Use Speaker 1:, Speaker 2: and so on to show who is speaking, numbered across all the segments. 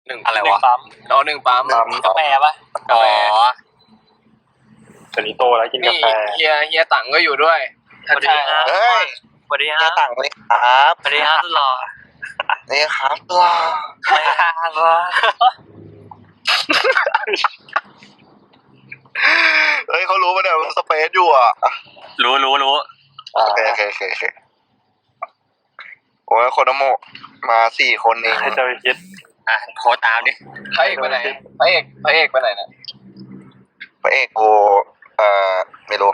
Speaker 1: หนึ่ง
Speaker 2: อะไรวะ
Speaker 1: ปั๊มอ๋อหนึ่งปั๊ม
Speaker 2: กาแฟปะอ๋อ
Speaker 3: ตอนนี้โตแล้วกินกา
Speaker 1: นี่
Speaker 3: แฟ
Speaker 1: เฮียตังก็อยู่ด้วย
Speaker 2: สวัสดีครับ
Speaker 4: เฮ้ย
Speaker 2: สวัสดีค
Speaker 4: เฮี
Speaker 2: รั
Speaker 4: ย
Speaker 2: บ
Speaker 4: ต่างเลยครับ
Speaker 2: สวัสดีครับหล่อ
Speaker 4: นี่ครับว้า
Speaker 2: ไม่ครับหล่อ
Speaker 4: เฮ้ยเขารู้ป่ะเนี่ยว่าสเปซอยู่อ่ะ
Speaker 2: รู้
Speaker 4: โอเคโอ้ยโคโนโมะมา4 คนเอง
Speaker 3: ใครจะไปคิด
Speaker 2: อ่ะโทรตามดิ
Speaker 1: พระเอกไปไหนพระเอกไปไหนนะ
Speaker 4: พระเอกกูไม่รู้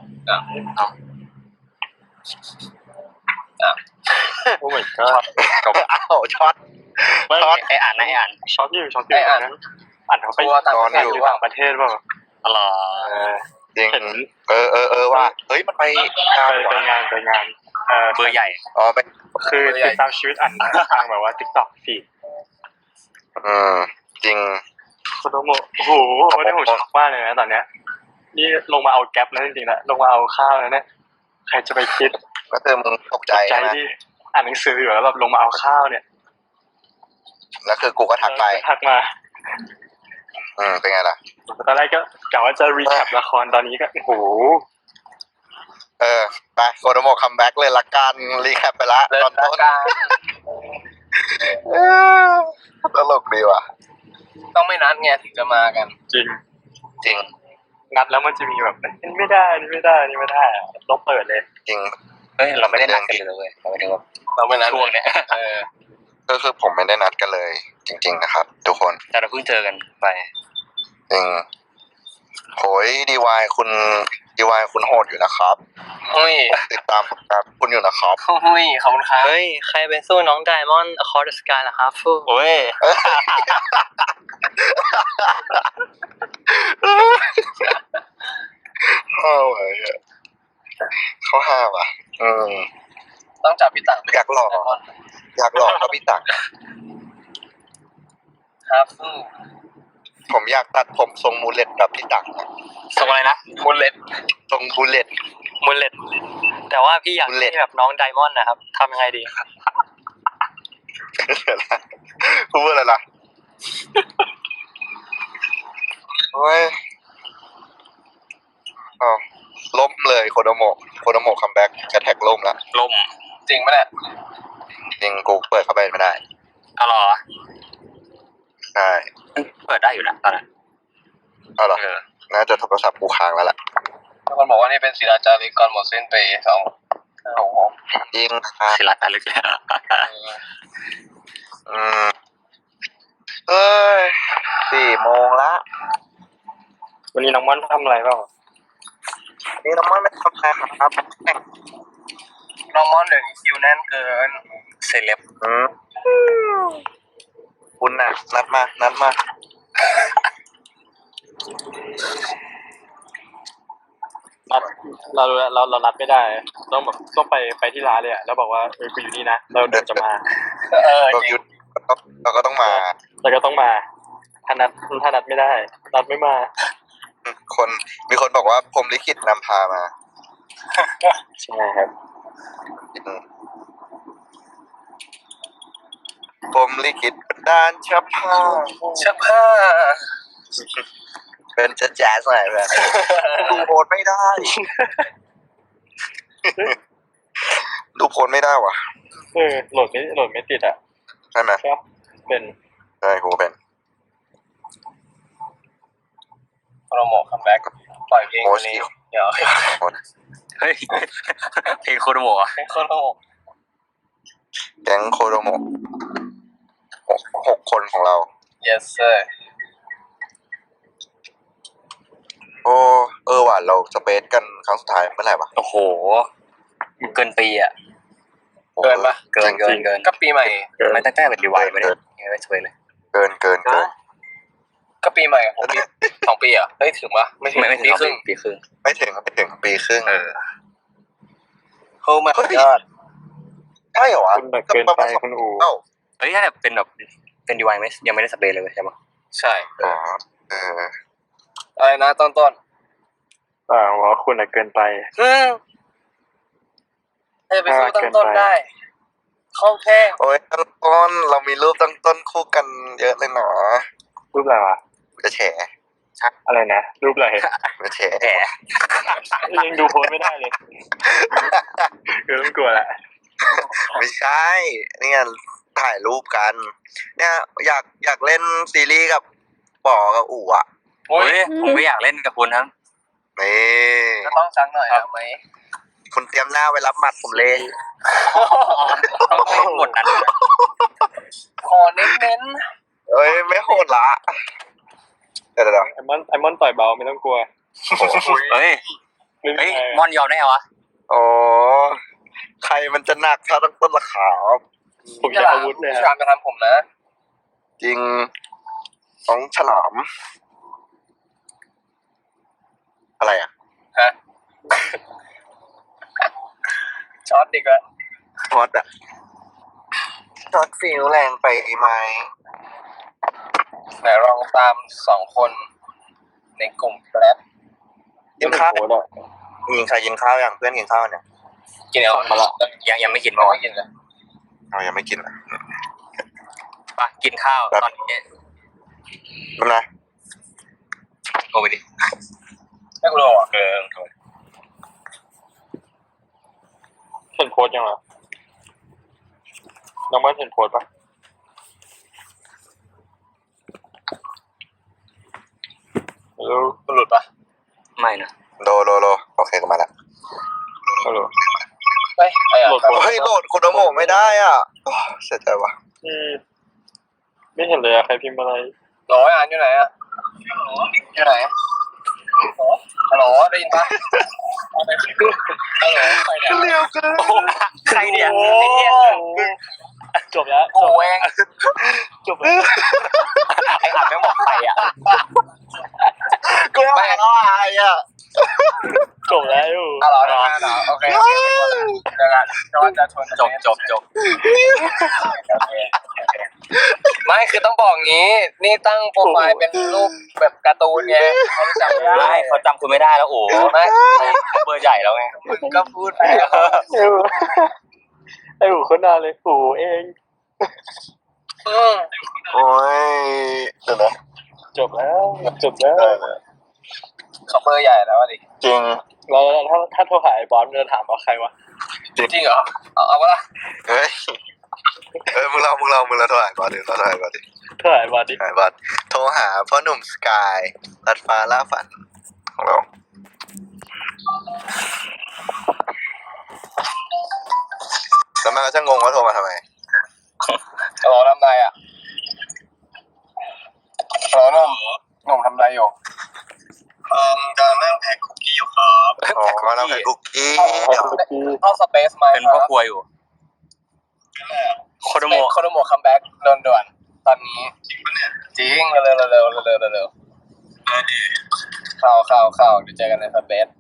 Speaker 3: โอ้ my god
Speaker 4: อ้าวช็อต ช็อต
Speaker 2: ไออ่านนะไออ่าน
Speaker 3: ช็อตอยู่ตอนนั้นอ่านเขาไป
Speaker 1: ตัวต่าง
Speaker 4: น
Speaker 1: ป
Speaker 4: อน
Speaker 1: ระเท
Speaker 4: อยู่
Speaker 1: ศหรือเปล่า
Speaker 3: ต่างประเทศเปล่า
Speaker 2: หล่อ
Speaker 4: จริง
Speaker 3: เห็น
Speaker 4: ว่าเฮ้ยมันไปงาน
Speaker 3: ไปงาน
Speaker 2: เบอร์ใหญ่
Speaker 4: อ๋อไป
Speaker 3: คือติดตามชีวิตอ่านทางแบบว่า TikTok ฟีด
Speaker 4: จริง
Speaker 3: โคโนโมะโอ้โหวันนี้ผมช็อกมากเลยนะตอนเนี้ยนี่ลงมาเอาแก๊ปแล้วจริงๆนะลงมาเอาข้าวแล้วเนี่ยใครจะไปคิด
Speaker 4: ก็คือมึงตกใจ
Speaker 3: ใจ
Speaker 4: นะ
Speaker 3: ที่อ่านหนังสืออยู่แล้วแบบลงมาเอาข้าวเนี่ย
Speaker 4: แล้วคือกูก็ทักไป
Speaker 3: ทักมา
Speaker 4: เป็นไงล่ะ
Speaker 3: ตอนแรกก็กะว่าจะรีแคปละครตอนนี้ก็โอ้โห
Speaker 4: ไปโคโนโมะคัมแบ็กเลยละกันรีแคปไปละ
Speaker 1: เลิศ
Speaker 4: ตอนต้น
Speaker 1: กลาง
Speaker 4: ตลกดีว่ะ
Speaker 1: ต้องไม่นัดไงถึงจะมากัน
Speaker 3: จริง
Speaker 4: จริง
Speaker 3: นัดแล้วมันจะมีแบบนี่ไม่ได้ต้องเปิดเลย
Speaker 4: จริง
Speaker 2: เฮ้ยเราไม่ได้นัดกันเลยเว้ยเราไม่ได้ว่า
Speaker 1: เราไม่นัด
Speaker 2: ช่วงเนี้ย
Speaker 4: ก็คือผมไม่ได้นัดกันเลย จริง ๆ นะครับ ทุกคน
Speaker 2: แต่เราเพิ่งเจอกันไป
Speaker 4: จริงโหยคุณโหดอยู่นะครับ
Speaker 1: หุ้ย
Speaker 4: ติดตามผลงานคุณอยู่นะครับ
Speaker 1: หุ้ยขอบคุณครับ
Speaker 2: เฮ้ยใครเป็นสู้น้องไดมอนด์ Across the Sky ล่ะครับฟู
Speaker 3: โอ้ย
Speaker 4: เขาห้าว่ะ
Speaker 1: ต้องจับพี่ตัง
Speaker 4: อยากหลอกก็พี่ตัก
Speaker 1: ครับ
Speaker 4: ผมอยากตัดผมทรงมูเลตแบบพี่ตัก
Speaker 2: ส่งอะไรนะ
Speaker 1: บุลเลต
Speaker 4: ทรงมูเลต
Speaker 2: มูลเลตแต่ว่าพี่อยาก
Speaker 4: Bullet
Speaker 2: ให้แบบน้องไดมอนด์นะครับทำยังไงดี
Speaker 4: พูดอะไรล่ะโอ้ยอ้าวล่มเลยโคโนโมะคัมแบ็กจะแท็กล่มละ
Speaker 2: ล่ม
Speaker 1: จริงไหมเนี่ย
Speaker 4: จริงกูเปิดเข้าไปไม่ได้
Speaker 2: อ๋อเหรอ
Speaker 4: ใช่
Speaker 2: เปิดได้อยู่นะตอนนั้น
Speaker 4: เอาเหรอน่าจะโทรศัพท์กูค้างแล้วล่ะ
Speaker 1: มีคนบอกว่านี่เป็นศิลาจารึกก่อนหมดสิ้นปี2
Speaker 4: จริงครับ
Speaker 2: ศิลาจารึกแล้ว
Speaker 4: เอ้ย4 โมงละ
Speaker 3: วันนี้น้องม่อนทำอะไรเปล่า
Speaker 4: นี่น้ำมันไม่ทำอะไรครับ
Speaker 1: น้องมอนเดี๋ยวนี้คิวแน่นเกิน
Speaker 2: เซเลบ
Speaker 4: คุณน่ะนัดมา
Speaker 3: เรารับไม่ได้ต้องไปที่ร้านเลยอะแล้วบอกว่ากูอยู่นี่นะเราเดินจะมา
Speaker 4: เรา
Speaker 1: จริง
Speaker 4: หยุดเราก็ต้องมา
Speaker 3: แล้วก็ต้องมาถ้านัดไม่ได้นัดไม่มา
Speaker 4: มีคนบอกว่าผมลิขิตนำพามา
Speaker 3: ใช่ครับ
Speaker 4: ผมลิขิตบันดาลชับพา
Speaker 1: เสื้อผ้า
Speaker 4: เป็นจะแจ๊สหน่อยแบบดูโพสไม่ได้ ดูโพสไม่ได้ว่ะ
Speaker 3: โหลดไม่ติดอ่ะ
Speaker 4: ใช่ไหม
Speaker 3: ก็เป็น
Speaker 4: ใช่กูเป็น
Speaker 1: โปรโมทคัมแบ็กปล่อยเพลงวันนี้เดี๋ยว
Speaker 2: เฮ้ยเพลงโคโดโมะ
Speaker 1: เพลงโปรโมท
Speaker 4: แก๊งโคโดโมะ6 คนของเรา
Speaker 1: yes sir
Speaker 4: ว่ะเราสเปซกันครั้งสุดท้ายเมื่อไหร่วะ
Speaker 2: โอ้โหเกินปีอ่ะ
Speaker 1: เกินปะ
Speaker 2: เกิน
Speaker 1: ก็ปีใหม่
Speaker 2: ไม่ตั้งแต่เป็นดีไวไม่ได้ไม่ช่วยเลย
Speaker 4: เกิน
Speaker 1: ก็ปีใหม่ของปี2 ปีอ่ะเฮ้ยถึงปะไม่ถึง
Speaker 2: ไม่ถึง
Speaker 1: ปีครึ่ง
Speaker 2: ปีครึ่ง
Speaker 4: ไม่ถึงปีครึ่ง
Speaker 1: โอ้ my god
Speaker 4: ใช่เหรอวะ
Speaker 3: คุณแบบเกินไปคุณอู
Speaker 4: เอ้า
Speaker 2: เฮ้ยถ้าแบบเป็นแบบเป็นดีไวไม่ยังไม่ได้สเปรย์เลยใช่ปะ
Speaker 1: ใช่
Speaker 4: อ๋อ
Speaker 1: อะไรนะต้น
Speaker 3: ว่าคุณเกินไป
Speaker 1: ถ้าจะไปสู้ต้นได้เข้าแท่
Speaker 4: โอ้ยตั้งต้นเรามีรูปตั้งต้นคู่กันเยอะเลยหนอ
Speaker 3: รูปอะไรวะ
Speaker 4: จะแฉ
Speaker 3: อะไรนะรูปอะไร
Speaker 4: จะแฉ
Speaker 2: แหม
Speaker 3: ยังดูโพสไม่ได้เลยคือต้องกลัวแหละ
Speaker 4: ไม่ใช่เนี่ยถ่ายรูปกัน เนี่ยอยากเล่นซีรีส์กับป๋อกับอู๋อ่ะ
Speaker 2: โอ้ยผมก็อยากเล่นกับคุณครับ
Speaker 4: นี่
Speaker 1: ก็ต้องซักหน่อยครับไหม
Speaker 4: คุณเตรียมหน้าไว้รับหมัดผมเลย
Speaker 2: ต้องเล่นหมดนั้นเลยนะ
Speaker 1: ขอเน้น
Speaker 4: เอ้ยไม่โหดละเดี๋ยว
Speaker 3: ไอมอนต่อยเบาไม่ต้องกลัว
Speaker 2: เฮ้ย
Speaker 3: ไม่
Speaker 2: เฮ้ย
Speaker 3: ใช่
Speaker 2: มอนยอมได้ไงวะ
Speaker 4: โอ้ใครมันจะหนักถ้าตั้งต้นราคา
Speaker 3: ผม
Speaker 1: ๆ
Speaker 3: จะอาวุธเลย
Speaker 1: พี่
Speaker 3: อะ
Speaker 1: ชามจะทำผมนะ
Speaker 4: จริงน้องฉลาม อะไรอ่ะ
Speaker 1: ฮะ ช็อตดีกว่า
Speaker 4: ฮอตอ่ะช็อตฟิลแรงไปไหม
Speaker 1: ไหนลองตาม2 คนในกลุ่มแป๊บ
Speaker 4: กินข้าว
Speaker 3: โพสอะ
Speaker 4: ยิงใครกินข้าวอย่างเพื่อนกินข้าวเนี่ย
Speaker 1: กินเอา
Speaker 3: มาละ
Speaker 2: ยังไม่กิน
Speaker 1: ไม่
Speaker 2: มอน
Speaker 1: กินเลย
Speaker 4: เรายังไม่กินอ่ะ
Speaker 2: ปะกินข้าวตอนนี้
Speaker 4: นั่นนะ
Speaker 2: โอ้ไปดิ
Speaker 1: ไม่รู้อ่ะ
Speaker 3: เห็นโพสยังเหรอน้องมันเห็นโพสปะแล้ว
Speaker 1: มันหลุดปะ
Speaker 2: ไม่นะ
Speaker 4: โลโอเคก็มาละ
Speaker 3: ฮัลโหล
Speaker 1: เฮ้ยไอ้อะ
Speaker 3: โหลดโพส
Speaker 4: เฮ้ยโหลดคุณโมไม่ได้อ่ะโอ้เสียใจว่ะ
Speaker 3: ไม่เห็นเลยอะใครพิมพ์อะไร
Speaker 1: ร้อยอ่านอยู่ไหนอะอยู่ไหนฮัลโหลได้ยินปะฮัลโหลใครเนี่ย
Speaker 4: เร็วเกิน
Speaker 2: โอ้ใครเนี่ย
Speaker 3: โอ้
Speaker 2: ไอ้เหี้ย
Speaker 3: จบแล้ว
Speaker 1: โอ้เอง
Speaker 3: จบแล้ว
Speaker 2: ไอ้อัดไม่บอกใครอ่ะ
Speaker 4: กูไม่เอาอะไรอ่ะ
Speaker 3: จบแล้ว
Speaker 1: ฮัลโหลได้ไหมโอเคเดี๋ยวกันจะว่าจะชวน
Speaker 2: จบ
Speaker 1: ไม่คือต้องบอกงี้ นี่ตั้งโปรไฟล์เป็นรูปแบบการ์ตูนไงเขาจำไม่ได้
Speaker 2: ไม่เขาจำคุณไม่ได้แล้วโอ้
Speaker 1: ไม่
Speaker 2: เบอร์ใหญ่แล้วไง
Speaker 1: มึงก็พูดไป
Speaker 3: ไอ้หูคนนานเลยหูเอง
Speaker 4: โอ้ยเดี๋ยวนะ
Speaker 3: จบแล้วจบแล้ว
Speaker 1: เขาเบอร์ใหญ่แล้วดิ
Speaker 4: จริง
Speaker 3: แล้วถ้าโทรหาไอ้บอสจะถามว่าใครวะ
Speaker 1: จริงเหรอเอาปะล่ะ
Speaker 4: เฮ้ยมึงเราโทรหาก่อนดิเราโทรหาก่อนดิ
Speaker 3: โทรหาไอ้บอสดิ
Speaker 4: หาก่อนโทรหาพ่อหนุ่มสกายลัดฟ้าล่าฝันของเราแล้วมันก็จะงงว่าโทรมาทำไม
Speaker 1: ฮัลโหลทำไรอ่ะฮัลโหลหนุ่มทำไรอยู่
Speaker 4: กำลังนั่งแพ็คคุกกี้อยู่ครับอ๋อนั่งแพ็คคุกกี้
Speaker 1: เข้าสเปซไหม
Speaker 2: เป็นพ่อครัวอยู่โคโดโมะ
Speaker 1: โคโดโมะคัมแบ็กด่วนๆตอนนี้จริงปะเนี่ยจริงเร็วเข้าเดี๋ยวเจอกันในสเปซ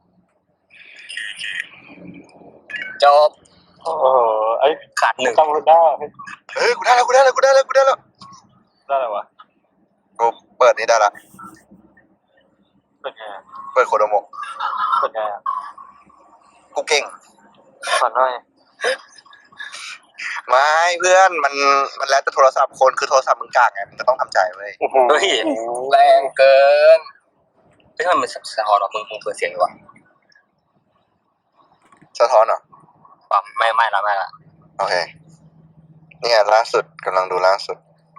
Speaker 1: จบ
Speaker 3: โอ้โหไอ้
Speaker 2: ขาดหนึ่ง
Speaker 3: จำคนได้
Speaker 4: เฮ้ยกูได้แล้ว
Speaker 3: ได้อะไรวะ
Speaker 4: กูเปิดนี่ได้ละ
Speaker 3: เป็นไง
Speaker 4: เปิดโคโดโมะ
Speaker 3: เป็นไง
Speaker 4: กูเก่ง
Speaker 3: สอนหน่อย
Speaker 4: ไม่เพื่อนมันแล้วแต่โทรศัพท์คนคือโทรศัพท์มึงกากไงมึงก็ต้องทำใจเว้ย
Speaker 3: โอ้โห
Speaker 2: เฮ้ย
Speaker 1: แรงเกิน
Speaker 2: เฮ้ยมันสะท้อนหรอมึงเปิดเสียงดีกว่า
Speaker 4: สะท้อนเหรอ
Speaker 2: ปั๊มไม่ละ
Speaker 4: โอเคเนี่ยล่าสุดกำลังดูล่าสุด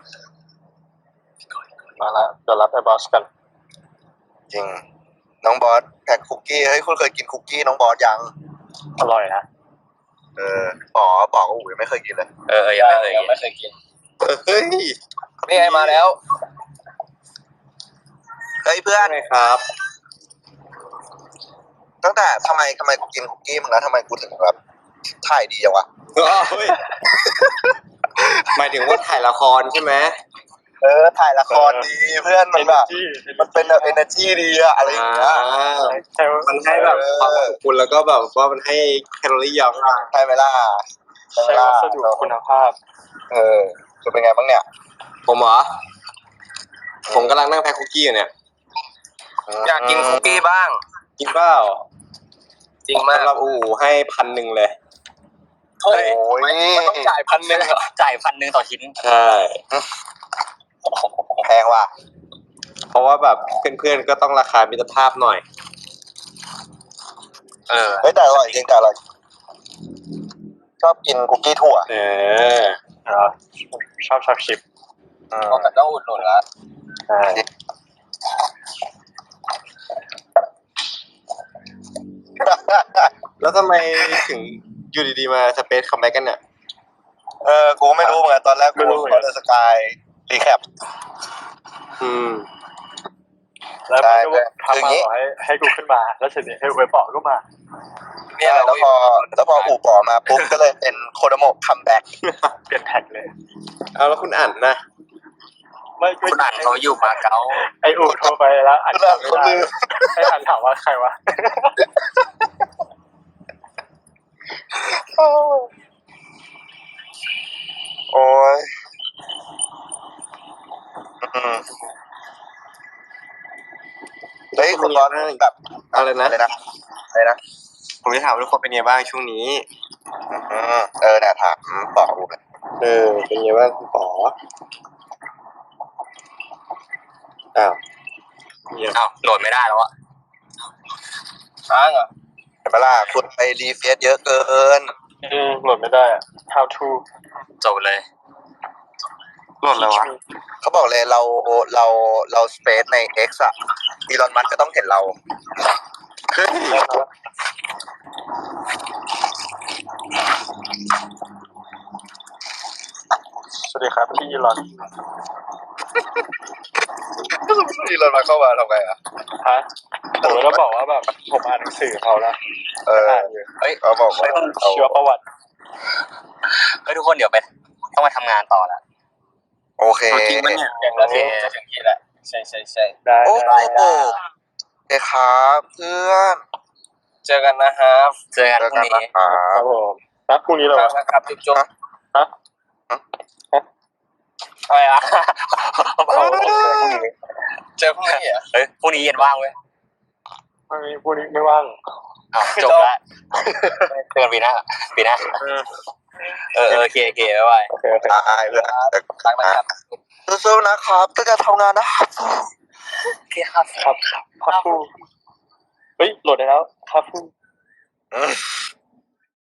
Speaker 3: มาละเดี๋ยวรับไอ้บอสกัน
Speaker 4: จริงน้องบอสแพ็คคุกกี้เฮ้ยคุณเคยกินคุกกี้น้องบอสยัง
Speaker 3: อร่อยนะ
Speaker 4: ป๋อก็อุ้ยไม่เคยกินเลย
Speaker 2: ยังไม่เคย
Speaker 1: ยังไม่เคยกิน
Speaker 4: เฮ้ย
Speaker 1: นี่ไงมาแล้ว
Speaker 4: เฮ้ยเพื่อน
Speaker 3: ไงครับ
Speaker 4: ตั้งแต่ทำไมกูกินคุกกี้มึงแล้วทำไมกูถึงแบบถ่ายดีจังวะ
Speaker 5: หมายถึงว่าถ่ายละครใช่ไหม
Speaker 4: ถ่ายละครดีเพื่อนมันแบบมันเป็นแบบ energy ดีอะอะไรอย่างเงี้ย
Speaker 3: ใช่ไหม
Speaker 5: มันให้แบบความอบอุ่นแล้วก็แบบว่ามันให้แคลอรี่เยอะมาก
Speaker 4: ใช่ไหมล่ะ
Speaker 3: ใช้วัสดุคุณภาพ
Speaker 4: จะเป็นไงบ้างเนี่ย
Speaker 5: ผมเหรอ ผมกำลังนั่งแพ็คคุกกี้อยู่เนี่ย
Speaker 1: อยากกินคุกกี้บ้าง
Speaker 5: กินเปล่า
Speaker 1: จริงมาก
Speaker 5: สำหรับอู๋ให้1,000เลย
Speaker 1: เฮ้ย
Speaker 4: โอ้ย
Speaker 1: มันต้องจ่าย1,000เหรอ
Speaker 2: จ่าย1,000ต่อชิ้น
Speaker 5: ใช่
Speaker 4: แพงว่ะ
Speaker 5: เพราะว่าแบบเพื่อนๆก็ต้องราคามิตรภาพหน่อย
Speaker 4: เฮ้ยแต่อร่อยจริงแต่อร่อยชอบกินคุกกี้ถั่ว
Speaker 5: เออ
Speaker 3: ชอบชิป
Speaker 1: ต้องอุดหนุนละ
Speaker 3: ใช่
Speaker 5: แล้วทำไมถึงอยู่ดีๆมาสเปซคัมแบ็กกันเนี่ย
Speaker 4: กูไม่รู้เหมือนกันตอนแรกกูก็เลยสกายรีแคป
Speaker 5: อืม
Speaker 3: แล้วมันก็ทำมาบอกให้กูขึ้นมาแล้วเสร็จเนี่ยให้เว็บบอกก็มา
Speaker 1: เนี่ย
Speaker 4: แล้วพออู่ป่อมาปุ๊บก็เลยเป็นโคโดโมะคัมแบ็ก
Speaker 3: เปลี่ยนแท็กเลย
Speaker 5: เอาแล้วคุณอ่านนะ
Speaker 3: ไม่
Speaker 2: คุณอ่านเขาอยู่มาเก๊า
Speaker 3: ไออูโทรไปแล้วอ่าน
Speaker 4: แล้ว
Speaker 3: ไม่
Speaker 4: คน
Speaker 3: ได้
Speaker 4: ลืม
Speaker 3: ให้อ่านถามว่าใครวะ
Speaker 4: โอ้ยเฮ้ยคุณร้อนแบบ
Speaker 5: อะไรนะ
Speaker 4: อะไรนะ
Speaker 5: ผมจะถามว่าทุกคนเป็นไงบ้างช่วงนี้
Speaker 4: เนี่ยถามป่ออูเลย
Speaker 5: เป็นไงบ้างคุณป๋ออ้าวเงียบ
Speaker 2: อ้าวโหลดไม่ได้แล้วอะ
Speaker 1: ค้างเหรอ
Speaker 4: เห็นปะล่ะคุณไปรีเฟซเยอะเกิน
Speaker 3: โหลดไม่ได้อะ how to
Speaker 2: จบเลย
Speaker 5: โหลดแล้ววะ
Speaker 4: เขาบอกเลยเราสเปซใน X อะอีลอนมัสก์ก็ต้องเห็นเรา
Speaker 5: เฮ้ย
Speaker 3: สวัสดีครับพี่อีลอน
Speaker 4: อีลอนมัสก์เข้ามาทำไงอะ
Speaker 3: ฮะผมก็บอกว่าแบบผมอ่านหนังสือเขานะ อ่านอยู่
Speaker 2: เฮ้ย
Speaker 4: เขาบอกว่า
Speaker 3: ชีวประวัติ
Speaker 2: เฮ้ยทุกคนเดี๋ยวไปต้องมาทำงานต่อละ
Speaker 4: โอเค
Speaker 2: จริงปะเนี่ย
Speaker 1: อย่างนาทีจะถึงที่แล้วใช่
Speaker 3: ได้
Speaker 4: โอ้
Speaker 3: ได้
Speaker 4: โหโอเคครับเพื่อน
Speaker 1: เจอกันนะครับ
Speaker 2: เจอกัน
Speaker 4: เจอ
Speaker 2: พรุ่ง
Speaker 4: กัน
Speaker 2: นี้
Speaker 4: นะครั
Speaker 3: ครับ บผมนัดพรุ่งนี้เหรอวะ
Speaker 1: นะครับจุ๊บ
Speaker 3: ฮะ
Speaker 2: อะไรอะ
Speaker 1: เจอพรุ่งนี้เหรอ
Speaker 2: เฮ้ยพรุ่งนี้เย็นว่างเว้ย
Speaker 3: พรุ่งนี้ไม่ว่าง
Speaker 2: อ้าวจบละเจอกันปีหน้าโอเคบ๊ายบาย
Speaker 3: โอเค
Speaker 4: ตายเพื่อน
Speaker 1: ค้างนะครับ
Speaker 4: สู้ๆนะครับก็จะทำงานนะครับ
Speaker 2: โอเคครับ
Speaker 3: ครับครับฟูเฮ้ยโหลดได้แล้วครับฟู
Speaker 4: อืม